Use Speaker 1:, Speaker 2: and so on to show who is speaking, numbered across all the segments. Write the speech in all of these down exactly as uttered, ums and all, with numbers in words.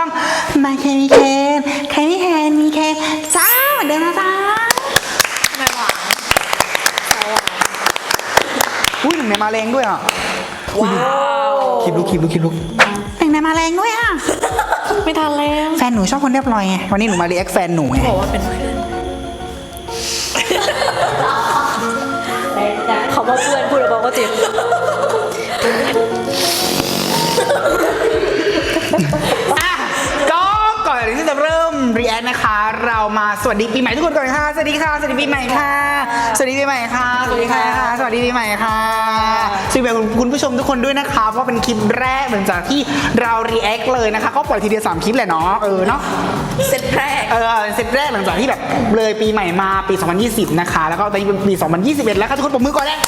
Speaker 1: มาเคนมีเคนใครมีเคนมีเคนจ้าเหมือนเดิมนะจ้าไม่หวานอุ้ยหนึ่งในมาแรงด้วยอ่ะว้าวคลิปลุกคลิปลุกคลิปลุกหนึ่งในมาแรงด้วยอ่ะ
Speaker 2: ไม่ทันแล้ว
Speaker 1: แฟนหนูชอบคนเรียบร้อยไงวันนี้หนูมารีแอคแฟนหนูไง
Speaker 2: บอกว่าเป็นเพื่อนเขาบอกเพื่อนพูดแล้วบอกว่าเจ็บ
Speaker 1: ก็ก่อนที่จะเริ่มรีแอคนะคะเรามาสวัสดีปีใหม่ทุกคนก่อนค่ะสวัสดีค่ะสวัสดีปีใหม่ค่ะสวัสดีปีใหม่ค่ะสวัสดีค่ะสวัสดีปีใหม่ค่ะสวัสดีคุณผู้ชมทุกคนด้วยนะคะเพราะเป็นคลิปแรกหลังจากที่เรารีแอคเลยนะคะก็ปล่อยทีเดียวสามคลิปแหละเนาะเออเนาะ
Speaker 2: เซตแรก
Speaker 1: เออเซตแรกหลังจากที่แบบเลยปีใหม่มาปีสองพันยี่สิบนะคะแล้วก็ตอนนี้เป็นปีสองพันยี่สิบเอ็ดแล้วค่ะทุกคนปรบมือก่อนเลย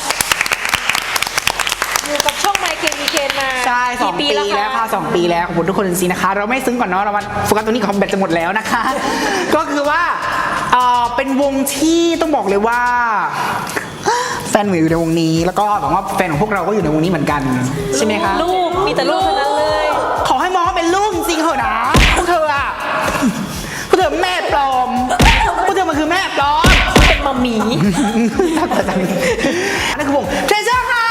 Speaker 2: อยู่กับช่องไมเคิลมีเคนมา
Speaker 1: ใช่สองปีแล้วค่ะสองปีแล้วขอบคุณทุกคนจริงๆนะคะเราไม่ซึ้งก่อนเนาะเรามาโฟกัสตรงนี้ของแบตจะหมดแล้วนะคะ ก็คือว่าเออเป็นวงที่ต้องบอกเลยว่าแฟนหนูอยู่ในวงนี้แล้วก็หวังว่าแฟนของพวกเราก็อยู่ในวงนี้เหมือนกันใช่ไหมคะ
Speaker 2: ลูกมีแต่ลูกทั้งนั้นเลย
Speaker 1: ขอให้มองว่าเป็นลูกจริงๆเถอะนะพวกเธออะพวกเธอแม่ปลอมพวกเธอมันคือแม่ปลอม
Speaker 2: เป็นมัมมี่
Speaker 1: นั่นคือวงเทรเจอร์ค่ะ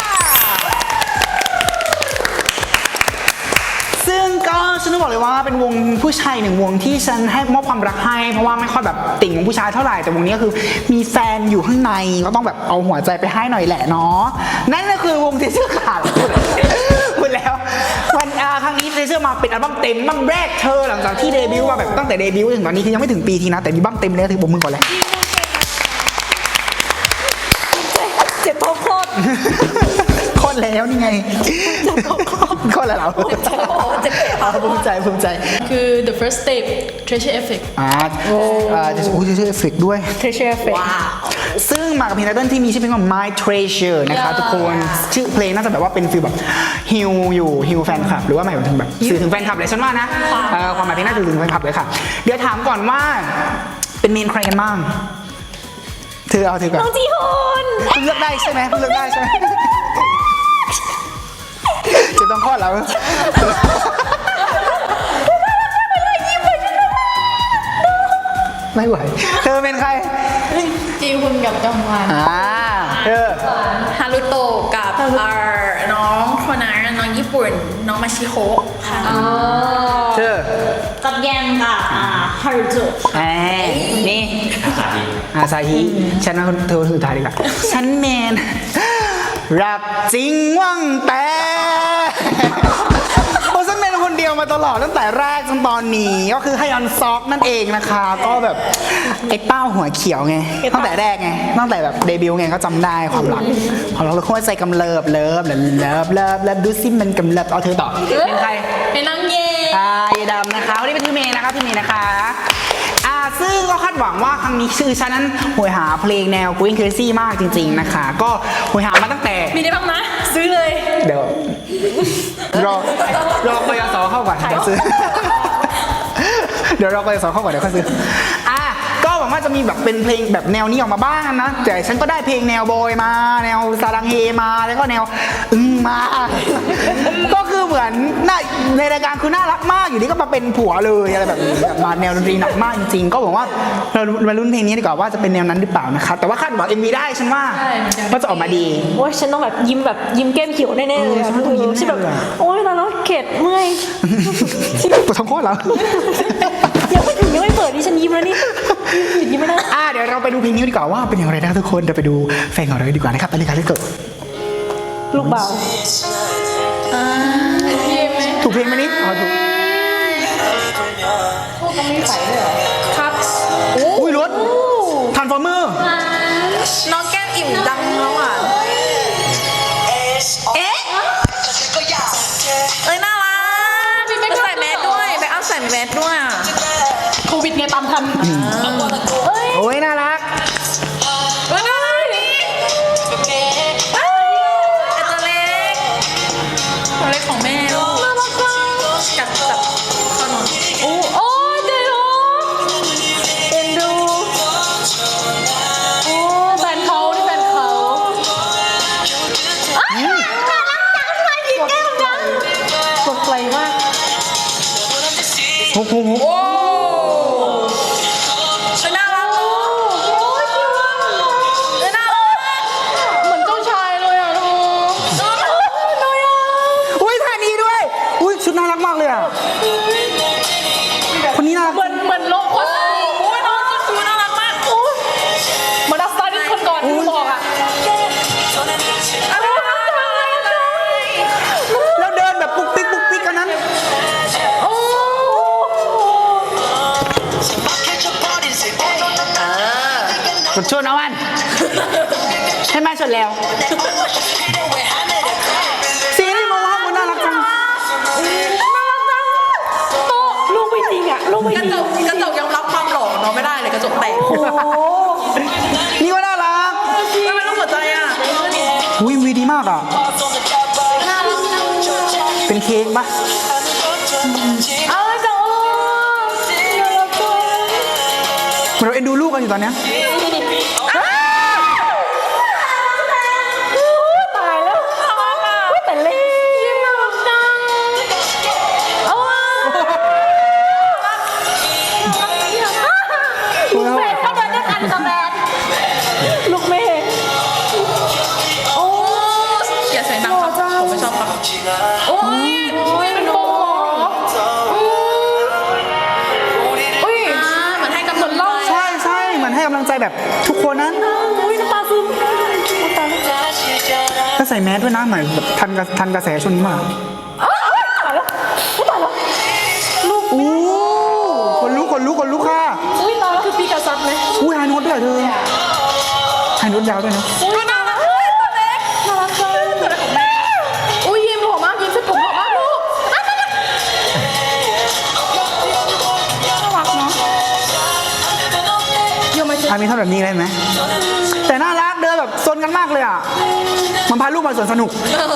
Speaker 1: ซึ่งก็ฉันต้องบอกเลยว่าเป็นวงผู้ชายหนึ่งวงที่ฉันให้มอบความรักให้เพราะว่าไม่ค่อยแบบติ่งวงผู้ชายเท่าไหร่แต่วงนี้ก็คือมีแฟนอยู่ข้างในก็ต้องแบบเอาหัวใจไปให้หน่อยแหละเนาะนั่นก็คือวงเทรเจอร์ค่ะพูดแล้ววันครั้งนี้เทรเจอร์มาเป็นอัลบั้มเต็มอัลบั้มแรกเธอหลังจากที่เดบิวต์มาแบบตั้งแต่เดบิวต์ถึงตอนนี้คือยังไม่ถึงปีทีนะแต่มีอัลบั้มเต็มแล้วถือปรบมือก่อนเลย
Speaker 2: เจ็บท้องโคตร
Speaker 1: โคตรแล้วนี่ไงโคตรแล้วเรา
Speaker 2: เจ็บใจเจ็บ
Speaker 1: ภูมิใจภูมิใจ
Speaker 2: คือ the first step treasure effect
Speaker 1: อ่าโอ้โห treasure effect ด้วย
Speaker 2: treasure effect ว้าว
Speaker 1: ซึ่งมากับเพลงไตเติ้ลที่มีชื่อเพลงว่า My Treasure นะคะทุกคนชื่อเพลงน่าจะแบบว่าเป็นฟีลแบบฮิลอยู่ฮิลแฟนคลับหรือว่าหมายถึงแบบสื่อถึงแฟนคลับเลยฉันว่านะความหมายเพลงน่าจะถึงแฟนคลับเลยค่ะเดี๋ยวถามก่อนว่าเป็นเมนใครกันบ้างเธอเอาเธอก่อน
Speaker 2: น้องจีฮุน
Speaker 1: เลือกได้ใช่ไหมเลือกได้ใช่ไหมจะต้องคลอดแล้วไม่ไหวเธอเป็นใคร
Speaker 2: จีฮุนกับจองฮวอน
Speaker 1: อ่าเธอ
Speaker 2: ฮารุโตะกับน้องโคนาน้องญี่ปุ่นน้องมาชิโฮะค่ะ
Speaker 1: เธอ
Speaker 2: กับแยมกับฮารุโตะ
Speaker 1: ไอ้นี่อาซาฮิฉันว่าเธอสุดท้ายดีกว่าฉันเมนรักจริงว่างแต่เพราะฉันเป็นคนเดียวมาตลอดตั้งแต่แรกจนตอนนี้ก็คือฮยอนซอกนั่นเองนะคะก็แบบไอ้เป้าหัวเขียวไงตั้งแต่แรกไงตั้งแต่แบบเดบิวต์ไงก็จำได้ความรักความรักเราหัวใจกำเริบเลิฟเลิฟเลิฟเลิฟเลิฟดูซิมันกำเริบเอาเธอต่อเป็นใคร
Speaker 2: เป็นน้องเย
Speaker 1: อ่าเยดำนะคะวันนี้เป็นพี่เมย์นะคะพี่เมย์นะคะอ่าซึ่งก็คาดหวังว่าครั้งนี้ชื่อฉันนั้นหวยหาเพลงแนว Going Crazy มากจริงๆนะคะก็หวยหามาตั้งแต่
Speaker 2: มีได้บ้างนะซื้อเลย
Speaker 1: เดี๋ยวรอรอกยศเข้าก่อนจะซื้อเดี๋ยวรอกยศเข้าก่อนเดี๋ยวค่อยซื้ออ่ะก็หวังว่าจะมีแบบเป็นเพลงแบบแนวนี้ออกมาบ้างนะแต่ฉันก็ได้เพลงแนวบอยมาแนวซาดังเฮมาแล้วก็แนวอึ้งมาก็คือเหมือนในรายการคือน่ารักมากอยู่นี่ก็มาเป็นผัวเลยอะไรแบบนี้มาแนวดนตรีหนักมากจริงๆก็หวังว่าเรามาลุ้นเพลงนี้ดีกว่าว่าจะเป็นแนวนั้นหรือเปล่านะคะแต่ว่าคาดหวัง เอ็ม วี ได้ฉันว่าว่าจะออกมาดี
Speaker 2: โอ้ยฉันต้องแบบยิ้มแบบยิ้มแก้มเขียวแน่ๆเลยฉันต้องยิ้มฉันแบบโอ้ยตอนนั้นเข็ดเมื่อย
Speaker 1: ปวดท้องคลอดแล้ว
Speaker 2: ยังไม่ถึงยังไม่เปิดนี่ฉันยิ้มแล้วนี่หยุดยิ้มไม่ได้
Speaker 1: อ่าเดี๋ยวเราไปดูเพลงนี้ดีกว่าว่าเป็นอย่างไรนะทุกคนเดี๋ยวไปดูแฟนของเราดีกว่านะครับไปเลยค่ะที่เกิด
Speaker 2: ลูกเบา
Speaker 1: ถูกเพลงไหมนี่อ๋อถูก
Speaker 2: พวกก็ไม่ใส่ด้วยเหรอครับ
Speaker 1: อุ้ยรถทรานส์ฟอร์เมอร์
Speaker 2: น้องแก้มอิ่มดังแล้วอ่ะเอ๊ะเอ้ยน่ารักมีแบ็คใส่แมสด้วยแบ็คอัพใส่แมสด้วยโควิดไงตามทัน
Speaker 1: โอ้ยน่ารัก
Speaker 2: น่ารักนี่ไอ้ตัวเล็กตัวเล็กของแม่น่ารักจับจับขนมโอ้โอ้เดี๋ยวเอ็นดูโอ้แฟนเขาที่แฟนเขาน่ารักจังทำไมยิ้มแก้มจังกดไกลมาก
Speaker 1: โอ้โห
Speaker 2: โอ้ฉันน่ารักเนอะเออน่ารักเหมือนเจ้าชายเลยอ่ะลูกน่ารักเลยอ่ะ
Speaker 1: อุ้ยท่านี้ด้วยอุ้ยชุดน่ารักมากเลยอ่ะคนนี้น่ารัก
Speaker 2: เหมือนเหมือนโลกคนโอ้ยน้องชุดน่ารักมากโอ้ยเหมือนอัสตาร์ดิสคนก่อนที่บอกอ่ะอะไรนะ
Speaker 1: แล้วเดินแบบปุ๊กปิ๊กปุ๊กปิ๊กกันนั้น
Speaker 2: โอ้
Speaker 1: กดชนเอาวันให้มาชนแล้วสีนี่มองว่ามันน่ารักจัง
Speaker 3: ลูกไม่จริงอ่ะลูกไม่
Speaker 2: กระ
Speaker 3: จริง
Speaker 2: จกกระจกยอมรับความหล่อเนาะไม่ได้เลยกระจกแตก
Speaker 1: นี่ก็น่ารัก
Speaker 2: ไม่เป็นรูปหัวใจอ่ะ
Speaker 1: อุ้ยวีดีมากอ่ะเป็นเค้กปะ
Speaker 2: เอาจัง
Speaker 1: เหมือนเราเอ็นดูลูกกันอยู่ตอนเนี้ย
Speaker 3: ตายแล้วอุ๊ยแต่เล่นน่ารักจังเอาว่ะลูกแฝดเข้ามาด้วยกันกับแฟนลูกแม่
Speaker 2: โอ้อย่าเสียงดังครับผมไม่ชอบครับโอ้ยโอ้ยเป็นโบอุ้ยเหมือนให้กำลังใจ
Speaker 1: ใช่ใช่เหมือนให้กำลังใจแบบทุกคนนั้น
Speaker 3: อุ้ยน้ำตาซึมน้ำตาซึม
Speaker 1: ถ้าใส่แมสด้วยนะเหมือนแบบทันกระทันกระแสช่วงนี้มาก
Speaker 3: อ้าวตายแล้วอุ๊ยตายแล้วลูก
Speaker 1: อู้คนลุกคนลุกคนลุกค่ะ
Speaker 3: อุ้ยตายแล้วคือปีกาซัดไหม
Speaker 1: อู้ไฮโน้ตด้วยเหรอเธอไฮโน้ตยาวด้วยเนาะ
Speaker 2: อุ้ยน่ารักเฮ้ยตัวเล็ก
Speaker 3: น่ารักจัง
Speaker 2: ตัวเล็กของแม่อุ้ยยิ้มหล่อมากยิ้มเส้นผมหล่อมากลูกน่ารักเนาะ
Speaker 3: เดี๋ยวมาเจอ
Speaker 1: อามีทำแบบนี้ได้ไหมแต่น่ารักเดินแบบซนกันมากเลยอ่ะมันพาลูกมาสวนสนุก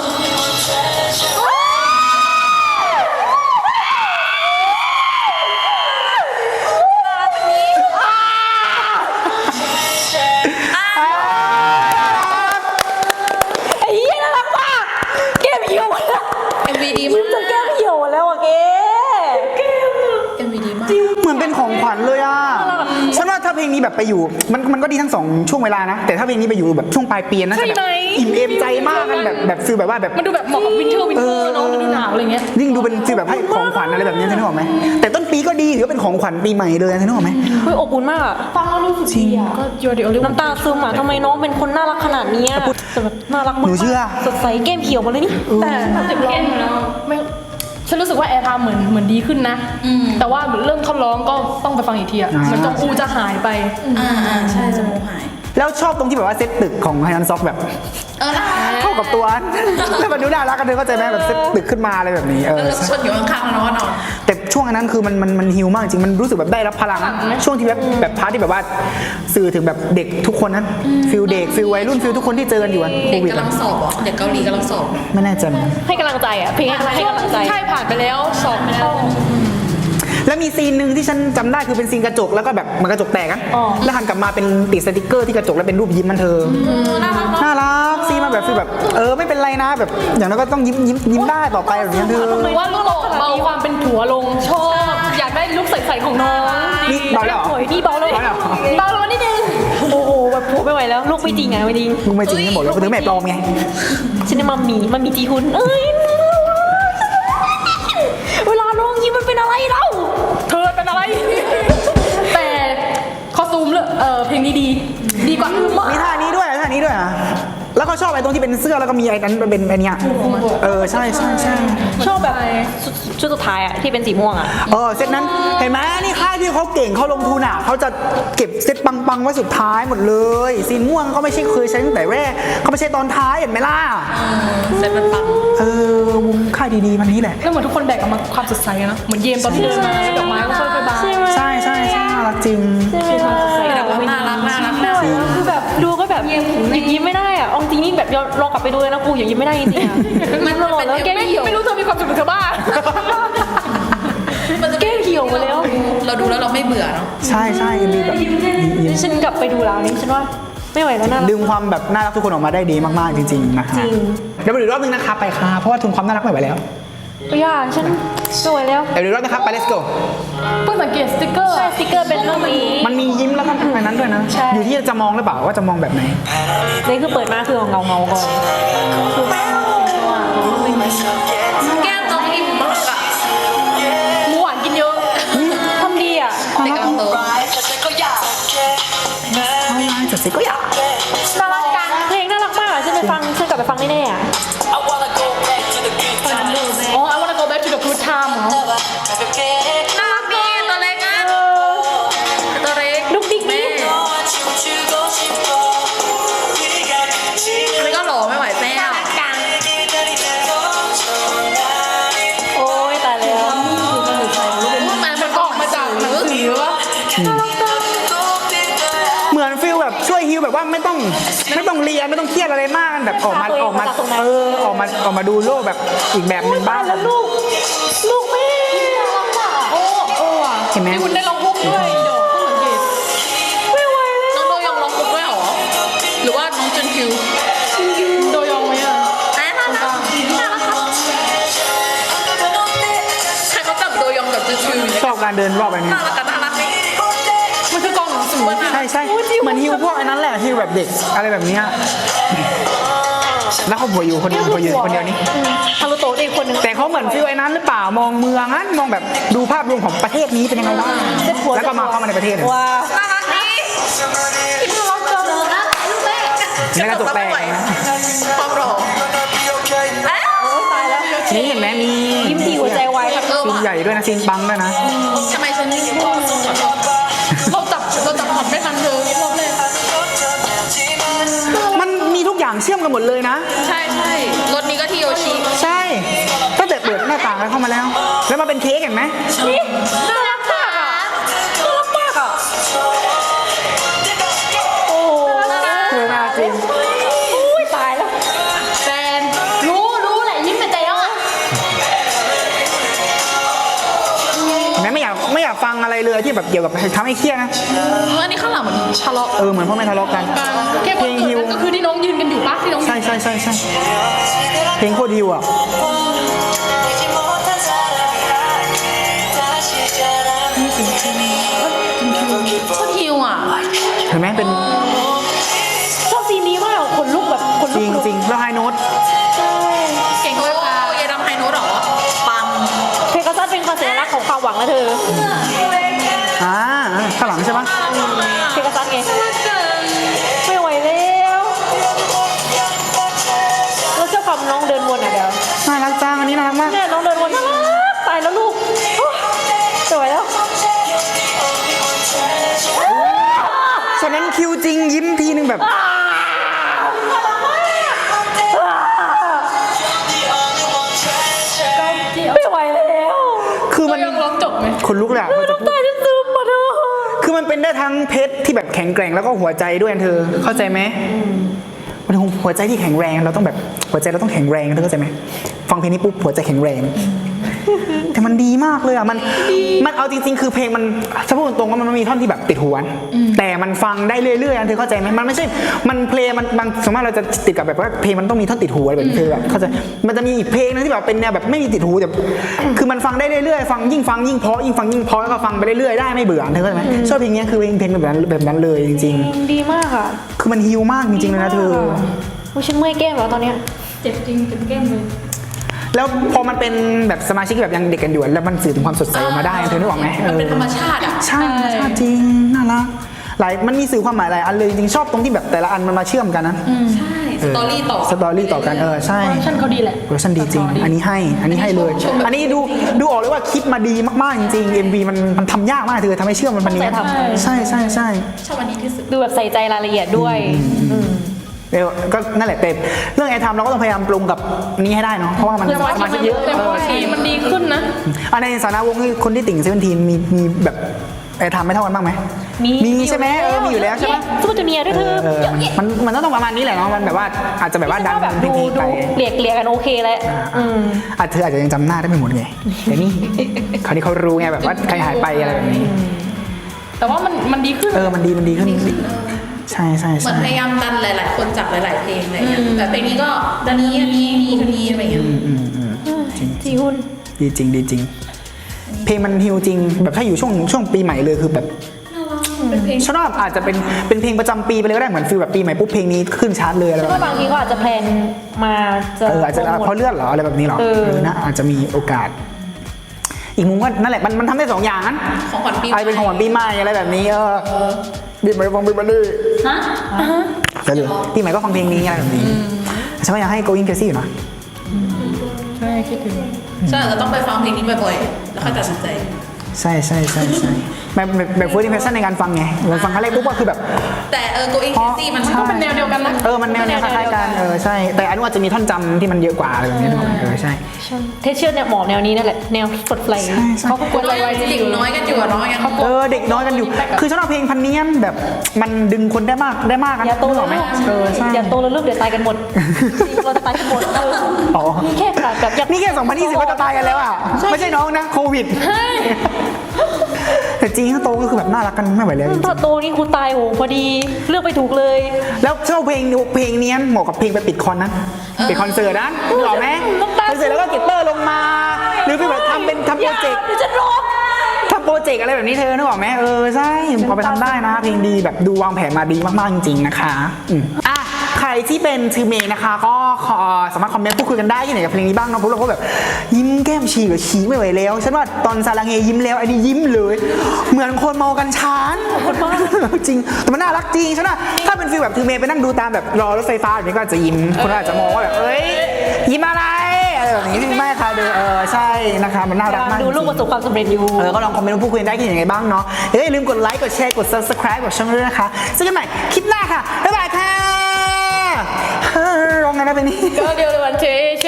Speaker 3: ไอ้เหี้ยน่ารักมากแก้มเหี่ยวหมดแล้ว
Speaker 2: เอ็มวีดี
Speaker 3: ยิ้
Speaker 2: มาม
Speaker 3: จนแก้มเหี่ยวหมดแล้วอ่ะเก้แก้ม
Speaker 2: เอ็มวีดีมาก
Speaker 1: เหมือนเป็นของขวัญเลยอ่ะฉันว่าถ้าเพลงนี้แบบไปอยู่มันมันก็ดีทั้งสองช่วงเวลานะแต่ถ้าเพลงนี้ไปอยู่แบบช่วงปลายปีน่าจะแบบอิ่มเอมใจมากกันแบบแบบฟีลแบบว่าแบบ
Speaker 2: มันดูแบบเหมาะกับวินเทอร์วินเทอร์เนาะมันดูหนาวอะไรเงี้ย
Speaker 1: ยิ่งดูเป็นฟีลแบบให้ของขวัญอะไรแบบนี้เธอนึกออกไหมแต่ต้นปีก็ดีถือว่าเป็นของขวัญปีใหม่เลยเธอนึกออกไหม
Speaker 3: เฮ้ยอบอุ่นมากอะฟังแล้วรู้สึกดีอะ
Speaker 2: ก็ยูเดียวเรียก
Speaker 3: น้ำตาซึมอะทำไมน้องเป็นคนน่ารักขนาดนี้อะแต่แบบน่ารักมาก
Speaker 1: หนูเชื่อ
Speaker 3: สดใสแก้มเขียวหมดเลยนี่
Speaker 2: แต่เจ็บแก้มแล้วไม่ฉันรู้สึกว่าแอร์ไทม์เหมือนเหมือนดีขึ้นนะ แต่ว่าเริ่มท่อนร้องก็ต้องไปฟังอีกทีอ่ะเหมันจงอูจะหายไป
Speaker 4: อ่าอ่าใช่จมูกหาย
Speaker 1: แล้วชอบตรงที่แบบว่าเซตตึกของไฮนันซ็อกแบบ
Speaker 4: เออนะ
Speaker 1: เข้ากับตัว แล้วมันดูน่ารักกันเธอเข้าใจไหมแบบเซตตึกขึ้นมาอะไรแบบนี้เออ
Speaker 4: แล้วชนอยู่ข้างๆแล้วก็นอน
Speaker 1: แต่ช่วงอันนั้นคือมันมันมันฮิวมากจริงมันรู้สึกแบบได้รับพลังนะช่วงที่แบบแบบพาร์ทที่แบบว่าสื่อถึงแบบเด็กทุกคนนั้นฟิลเด็กฟิลวัยรุ่นฟิลทุกคนที่เจอกันอยู่อะโค
Speaker 4: เด็ก
Speaker 1: วิด
Speaker 4: กำลังสอบอ่ะเด็กเกาหลีกำลังสอบ
Speaker 1: ไม่แน่ใจเหมือนกัน
Speaker 3: ให้กำลังใจอะเพลงให้กำลังใจ
Speaker 2: ใช่ผ่านไปแล้วสอบไปแล้ว
Speaker 1: แล้วมีซีนหนึ่งที่ฉันจำได้คือเป็นซีนกระจกแล้วก็แบบมันกระจกแตกอะ
Speaker 3: อ๋อ
Speaker 1: แล้วหันกลับมาเป็นติดสติกเกอร์ที่กระจกแล้วเป็นรูปยิ้มมันเธอน่ารักซีนมาแบบฟีลแบบเออไม่เป็นไรนะแบบอย่างนั้นก็ต้องยิ้มยิ้มยิ้มได้ต่อไปแบบนี้เธอ
Speaker 2: หรือว่าลูกโลกเบาความเป็นผัวลงชอบอยากได้ลุคใสๆของน้อง
Speaker 1: นี่เบาแล้วเหรอ
Speaker 3: โอ้ยนี่เบาเลย
Speaker 1: เบาแล้วเหรอ
Speaker 2: เบาลงนิดนึง
Speaker 3: โอ้โหแบบโผล่ไม่ไหวแล้วลูกไม่จริงไงไม่จริง
Speaker 1: มึงไม่จริงกันหมดเลยถึงแม่ปลอมไง
Speaker 3: ฉันมามีมันมีจีฮุนเอ้ยเวลาน้องยิ้มมันเป็นอะไรเล่า
Speaker 2: เธอเป็นอะไร แต่คอสตูมเลยเออเพลงนี้ดีดีกว่าอื่นมาก
Speaker 1: มีท่านี้ด้วยท่านี้ด้วยอ่ะแล้วก็ชอบไอ้ตรงที่เป็นเสื้อแล้วก็มีไอ้นั้นเป็นไอ้เนี้ยเออใช่ใช่ใช่
Speaker 3: ชอบแบบชุดชุดสุดท้ายอะที่เป็นสีม่วงอะ
Speaker 1: เออเซตนั้นเห็นไหมนี่ค่ายที่เขาเก่งเขาลงทุนอ่ะเขาจะเก็บเซตปังๆไว้สุดท้ายหมดเลยซีนม่วงเขาไม่ใช่เคยใช้ตั้งแต่แรกเขาไม่ใช่ตอนท้ายเห็นไหมล่ะ
Speaker 4: เสร็จมันปัง
Speaker 1: เออวงค่ายดีๆมันนี้แหละ
Speaker 2: แล้วเหมือนทุกคนแบกออกมาความสดใสอะนะเหมือนเยมตอนที่เดินมาดอกไม้ก็ค่อยๆบาน
Speaker 3: ใช่ไหม
Speaker 1: ใช่ใช่ใช่น่ารักจริง
Speaker 3: ใช่ไหมล่ะ
Speaker 4: แต่ว่าน่ารักน่ารัก
Speaker 3: ไม่ไหวแล้วคือแบบดูก็แบบหยุดยิ้มไม่ได้อะเอาจริงนี่แบบลองกลับไปดูเลยนะกูหยุดยิ้มไม่ได้จริงๆอะมันหล่อแล้วแก้ม
Speaker 2: ไม่
Speaker 3: เหี่ยว
Speaker 2: ไม่รู้เธอมีความสุขหรือเธอบ้า
Speaker 4: มันจะ
Speaker 3: แก้มเหี่ยวหมดแล้ว
Speaker 4: เราดูแล้วเราไม่เบื่อเนาะ
Speaker 1: ใช่ใช่มีแบบยิ้ม
Speaker 3: ฉันกลับไปดูแล้วนี่ฉันว่าไม่ไหวแล้วน่ารัก
Speaker 1: ดึงความแบบน่ารักทุกคนออกมาได้ดีมากๆจริงๆนะฮะ
Speaker 3: จริง
Speaker 1: เดี๋ยวมาดูอีกรอบนึงนะคะไปค่ะเพราะว่าทุนความน่ารักไม่ไหวแล้ว
Speaker 3: อย่าฉันสวยแล้ว
Speaker 1: เดี๋ยวดูรอบนะครับไป let's go
Speaker 2: เพิ่งสังเกตสติกเกอร์
Speaker 3: ใช่สติกเกอร์เป็นรูปนี้
Speaker 1: มันมียิ้มแล้วก็อันนั้นด้วยนะ
Speaker 3: ใช่
Speaker 1: อยู่ที่จะมองหรือเปล่าว่าจะมองแบบไหน
Speaker 3: นี่คือเปิดมาคือเงาเงาๆก่อนคือ
Speaker 4: แก้มน้องอิ่มมากอะ
Speaker 2: หมูหวานกินเยอะ
Speaker 3: ทำดีอ่ะ
Speaker 4: เด็กกำลังโต
Speaker 1: เอาไลน์จัดสิก็อยาก
Speaker 3: น่ารักจังเพลงน่ารักมากอ่ะฉันไปฟังฉันกลับไปฟังแน่ๆอ่ะ
Speaker 2: อ๋อ I wanna go back to the good time เหรอ
Speaker 4: น่ารักดีตัวเล็กอะตัวเล็ก
Speaker 3: ดุ๊กดิ๊ก
Speaker 4: แม่อันนี้ก็หล่อไม่ไหวแซ่บ
Speaker 3: โอ้ยตายแล้ว
Speaker 4: มันมันก็ออกมาจากหนังสือวะ
Speaker 1: เหมือนฟิลแบบช่วยฮิวแบบว่าไม่ต้องไม่ต้องเรียนไม่ต้องเครียดอะไรมากแบบออกมาออกมาเออออกมาออกมาดูโลกแบบอีกแบบหนึ่งบ้าง
Speaker 3: แล้วลูก ลูกแม่
Speaker 2: โอ้เออว่ะ
Speaker 1: เห็นไหม
Speaker 2: มีคุณได้ลองพุกด้วยเดี๋ยวเพิ่งสังเกต
Speaker 3: ไม่ไหวแล้ว
Speaker 4: น้องโดยองร้องคุกด้วยเหรอ หรือว่าน้องจุนคิว
Speaker 2: โดยองไหมอ่ะ
Speaker 4: น่ารักน่ารักครับใครเขาจับโดยองกับจุนคิว
Speaker 1: ชอบการเดินรอบแบบนี้
Speaker 4: น่ารักกันน่ารักนี่
Speaker 2: มันคือกองหนังสือ
Speaker 1: ใช่ใช่เหมือนฮิวพวกไอ้นั้นแหละฮิวแบบเด็กอะไรแบบเนี้ยแล้วเขาผัวอยู่คนเดียวผัวอยู่คนเดียวนี่
Speaker 3: ฮารุโตะอีกคนนึง
Speaker 1: แต่เขาเหมือนฟิลไอ้นั้นหรือเปล่ามองเมืองนั้นมองแบบดูภาพรวมของประเทศนี้เป็นยังไงบ้างแล้วก็มาเข้ามาในประเทศ
Speaker 3: ว้าว
Speaker 4: น่ารักนี่น่ารักจังเลยนะลูกแม่
Speaker 1: ในกระจกแตกนะ
Speaker 4: ความหล่อ
Speaker 3: ตายแล้ว
Speaker 1: นี่เห็นไหมมี
Speaker 3: ยิ้มทีหัวใจวายครับ
Speaker 4: เออ
Speaker 1: ซีน
Speaker 4: ว่ะ
Speaker 1: ใหญ่ด้วยนะซีนปังด้วยนะ
Speaker 4: ทำไมฉันไม่พูด
Speaker 2: เราจับเราจับผ่อนไม่ทันเธอรอบแรก
Speaker 1: มันมีทุกอย่างเชื่อมกันหมดเลยนะ
Speaker 4: ใช่ใช่รถนี้ก็ที่โยชิ
Speaker 1: ใช่ตั้งแต่เปิดหน้าต่างแล้วเข้ามาแล้ว แล้วมาเป็นเค้กเห็นไหม
Speaker 3: นี่น่ารักมากอ่ะน่ารักมากอ่ะโอ้
Speaker 1: เออน่าจริง
Speaker 3: อุ้ยตายแล้ว
Speaker 2: แฟนรู้รู้แหละยิ้มเป็นใจแล้วอ่ะ
Speaker 1: เห็นไหมไม่อยากไม่อยากฟังอะไรเลยที่แบบเกี่ยวกับทำให้เครียดนะ
Speaker 4: อันนี้ข้างหลังเหมือนทะเลาะ
Speaker 1: เออเหมือนพ่อแม่ทะเลาะกัน
Speaker 2: แค่วันเกิดนั่นก็คือที่น้องยืนกันอยู่ปะที่น้องยืน
Speaker 1: ใช่ใช่ใช่ใช่เพลงโคตรฮิวอ่ะ
Speaker 4: ชอบฮิวอ่ะ
Speaker 1: เห็นไหมเป็น
Speaker 3: ชอบซีนนี้มากขนลุกแบบขน
Speaker 1: จ
Speaker 3: ลุ
Speaker 1: ริ
Speaker 3: ก
Speaker 1: งจริงแล้วไฮโน้ต
Speaker 4: เก่งด้วยค่ะยายดำไฮโน้ตเหรอ ปัง
Speaker 3: เพกาซัสเป็นความสัญลักษณ์ของความหวังนะเธอ
Speaker 1: อ่าข้างหลังใช่ปะ
Speaker 3: เพกาซัสไงไม่ไหวแล้วแล้วเจ้าความน้องเดินวนอ่ะเดี๋ยว
Speaker 1: น่ารักจังอันนี้น่ารักมาก
Speaker 3: เนี่ยน้องเดินวนน่ารักตายแล้วลูกโอ้ยสวยแล้ว
Speaker 1: ฉะนั้นคิวจริงยิ้มทีนึงแบบ
Speaker 3: ไม่ไหวแล้ว
Speaker 1: คือมัน
Speaker 2: ยังร้องจบไหม
Speaker 1: คนลุกเลยอะพอจะพูด
Speaker 3: ตายที่ซึมมาเธอ
Speaker 1: คือมันเป็นได้ทั้งเพชรที่แบบแข็งแกร่งแล้วก็หัวใจด้วยนะเธอ เข้าใจไหมมันถึงหัวใจที่แข็งแรงเราต้องแบบหัวใจเราต้องแข็งแรงเธอเข้าใจไหมฟังเพลงนี้ปุ๊บหัวใจแข็งแรง แต่มันดีมากเลยอ่ะมันมันเอาจริงๆ คือเพลงมันถ้าพูดตรงๆว่ามันมีท่อนที่แบบติดหูแต่มันฟังได้เรื่อยๆนะเธอเข้าใจไหมมันไม่ใช่มันเพลงมันบางสมมติเราจะติดกับแบบว่าเพลงมันต้องมีท่อนติดหูอะไรแบบนี้เธอแบบเข้าใจมันจะมีอีกเพลงนึงที่แบบเป็นแนวแบบไม่มีติดหูแต่คือมันฟังได้เรื่อยๆฟังยิ่งฟังยิ่งเพราะยิ่งฟังยิ่งเพราะแล้วก็ฟังไปเรื่อยๆได้ไม่เบื่อเธอเข้าใจไหมชอบเพลงนี้คือเพลงเพลงแบบนั้นแบบนั้นเลยจริง
Speaker 3: ดีมากอ่ะ
Speaker 1: ๆ คือมันฮิวมากจริงๆเลยนะเธอ
Speaker 3: โอ้ยฉันเมื่อยแก้มแล้วตอนเนี้ย
Speaker 2: เจ็บจริงเจ็บแก้มเลย
Speaker 1: แล้วพอมันเป็นแบบสมาชิกแบบยังเด็กกันอยู่แล้วมันสื่อถึงความสดใสออกมาได้เธอนึกออกไหม
Speaker 4: มันเป็นธรรมชาติอ่ะ
Speaker 1: ใช่ธรรมชาติจริงน่ารักหลายมันมีสื่อความหมายหลายอันเลยจริงๆชอบตรงที่แบบแต่ละอันมันมาเชื่อมกันนะ
Speaker 4: ใช่ สตอรี่ต่อ
Speaker 1: สตอรี่ต่อกันเออใช่
Speaker 2: โปรดักชั่นเขาดีแหละ
Speaker 1: โปรดักชั่นดีจริง อันนี้ให้อันนี้ให้เลย อันนี้ดูดูออกเลยว่าคิดมาดีมากๆจริงๆ เอ็ม วี มันมันทำยากมากเธอทำให้เชื่อมมันพันนี้
Speaker 3: ตั้งใจทำ
Speaker 1: ใช่ใช่ใช่
Speaker 4: ชอบอันนี้ที่สุด
Speaker 3: ดูแบบใส่ใจรายละเอียดด้วยอืม
Speaker 1: เดี๋ยวก็นั่นแหละเต็มเรื่องไอ้ทำเราก็ต้องพยายามปรุงกับนี้ให้ได้เนาะเพราะว่ามันสมาชิกเยอะ
Speaker 2: แต่ว่าสีมันดีขึ้นนะ
Speaker 1: อันในสาระวงที่คนที่ติ่งเซเว่นทีนมีมีแบบไอ้ทำไม่เท่ากันบ้างไหมมีใช่ไหมเออมีอยู่แล้วใช่ไหม
Speaker 3: ซูเปอร์จูเนียร์ด้วยเธอ
Speaker 1: เออมันมันมันต้องประมาณนี้แหละเนาะมันแบบว่าอาจจะแบบว่าดัน
Speaker 3: แบบ
Speaker 1: เพล
Speaker 3: ดู
Speaker 1: งๆ
Speaker 3: ดู
Speaker 1: ไป
Speaker 3: เกลี่ยเกลี่ยกันโอเคแล้วอืม
Speaker 1: อาจเธออาจจะยังจำหน้าได้ไม่หมดไงแต่นี่คราวนี้เขารู้ไงแบบว่าใครหายไปอะไรแบบนี้
Speaker 2: แต่ว่ามันมันดีขึ้น
Speaker 1: เออมันดีมันดีขึ้นใช่ใช่
Speaker 4: เหมื
Speaker 1: ใช่
Speaker 4: อนพยายามดันหลาย ๆ คนจากหลาย ๆ เพลงอะไรเงี้ยแต่เพลงนี้ก็ดันนี้อันนี้อันนี้อันนี้อะไรเงี้ย
Speaker 1: อืมอืม
Speaker 3: จีฮุน
Speaker 1: ดีจริงดีจริง เพลงมันฮิวจริง แบบถ้าอยู่ช่วงช่วงปีใหม่เลยคือแบบ
Speaker 2: เป็นเพลง
Speaker 1: ชอบอาจจะเป็นเป็นเพลงประจำปีไปเลยก็ได้เหมือนฟีลแบบปีใหม่ปุ๊บเพลงนี้ขึ้นชาร์ตเลยอะไร
Speaker 3: ฉัน
Speaker 1: แบบ
Speaker 3: ว่า
Speaker 1: นี้
Speaker 3: บางทีก็อาจจะแพลนมาจะ
Speaker 1: เอออาจจะ
Speaker 3: โปรโมท
Speaker 1: เพราะเลื่อนเหรออะไรแบบนี้เหรอ
Speaker 3: เออ
Speaker 1: เออนะอาจจะมีโอกาส อีกมุมก็นั่นแหละมันมันทำได้สองอย่างนั้น
Speaker 2: ของขวัญปีให
Speaker 1: อะไร
Speaker 2: ม่
Speaker 1: เป็นของขวัญปีใหม่อะไรแบบนี้เออปีใหม่ฟังปีใหม่ดิ
Speaker 2: ฮะ
Speaker 1: แต่เลยปีใหม่ก็ฟังเพลงนี้อะไรแบบนี้ฉันก็อยากให้ going crazy อยู่นะ
Speaker 3: ใช่คิดถึง
Speaker 2: ฉันอาจจะต้องไปฟังเพลงนี้บ่อยๆ แล้วค่อยตัดสินใจ
Speaker 1: ใช่ใช่ใช่ใช่แบบแบบแบบ first impression ในการฟังไงเราฟังครั้งแรกปุ๊บก็คือแบบ
Speaker 2: แต่เออ going crazy มัน
Speaker 1: ใช่
Speaker 2: ก็เป็นแนวเดียวกันนะ
Speaker 1: เออมันแนวแนวคล้ายๆกันเออใช่แต่อันนู้นอาจจะมีท่อนจำที่มันเยอะกว่าอะไรแบบนี้ด้วยเออใช่
Speaker 3: เทสเชียร์เนี่ยหมอแนวนี้นั่นแหละแนวสดไฟ
Speaker 1: ใช่ใช่
Speaker 3: เขาก็กวนอะไรไว้
Speaker 2: เด็กน้อยกันอยู่อะเนาะอย่างเขา
Speaker 1: เออเด็กน้อยกันอยู่ คือชอบเพลงพันเนียนแบบมันดึงคนได้มากได้มากนะ
Speaker 3: อย่าโต
Speaker 1: นึก
Speaker 3: แล้
Speaker 1: อ
Speaker 3: ว
Speaker 1: อกไหม
Speaker 3: ลูก
Speaker 1: เออใช่
Speaker 3: อย่าโตแล้วลูกเดี๋ยวตายกันหมดจริงเราจะตายกันหมดเออ
Speaker 1: อ๋อ
Speaker 3: นี่แค่ขาดแบบอยาก
Speaker 1: นี่แค่สองพันยี่สิบก็จะตายกันแล้วอ่ะไม่ใช่น้องนะโควิดแต่จริงถ้าโตก็คือแบบน่ารักกันไม่ไหวแล้วจริง
Speaker 3: ถ้าโตนี่กูตายโหพอดีเลือกไปถูกเลย
Speaker 1: ๆแล้วชอบเพลงเพลงเนี้ยเหมาะกับเพลงไปปิดคอนนะปิดคอนเสิร์ตนะนึกออกไหมคอนเสิร์ตแล้วก็เก็บเตอร์ลงมา หรือเป็นแบบทำเป็นทำโปรเจกต์
Speaker 3: เดี๋ยวจะร้อง
Speaker 1: ทำโปรเจกต์อะไรแบบนี้เธอนึกออกไหมเออใช่เอาไปทำได้นะ เพลงดีแบบดูวางแผนมาดีมากๆจริงๆนะคะอืมอ่ะใครที่เป็นทีมเมย์นะคะ ก็ขอสามารถคอมเมนต์พูดคุยกันได้ที่ไหนกับเพลงนี้บ้างเนาะเพราะเราก็แบบยิ้มแก้มฉีกหรือฉีกไม่ไหวแล้วฉันว่าตอนซาลังเฮยิ้มแล้วอันนี้ยิ้มเลย เหมือนคนเมากันชานจริงแต่มันน่ารักจริงฉันว่าถ้าเป็นฟีลแบบทีมเมย์ไปนั่งดูตามแบบรอรถไฟฟ้าแบบนี้ก็อาจจะยิ้มคนอาจจะมองว่าแบบเอ้ยยิ้มอะไรอะไรแบบนี้ไม่ค่ะเดอเออใช่นะคะมันน่ารักมาก
Speaker 3: ดูลูกประสบความสำเร็จอยู่
Speaker 1: เออก็ลองคอมเมนต์มาพูดคุยกันได้ที่ยังไงบ้างเนาะอย่าลืมกดไลค์ กดแชร์ กด subscribe กดช่องด้วยนะคะเจอกันใหม่คลิปหน้าค่ะ บ๊ายบายค่ะร้องไงนะเป็นนี้
Speaker 3: ก็เดียวเลยวันเช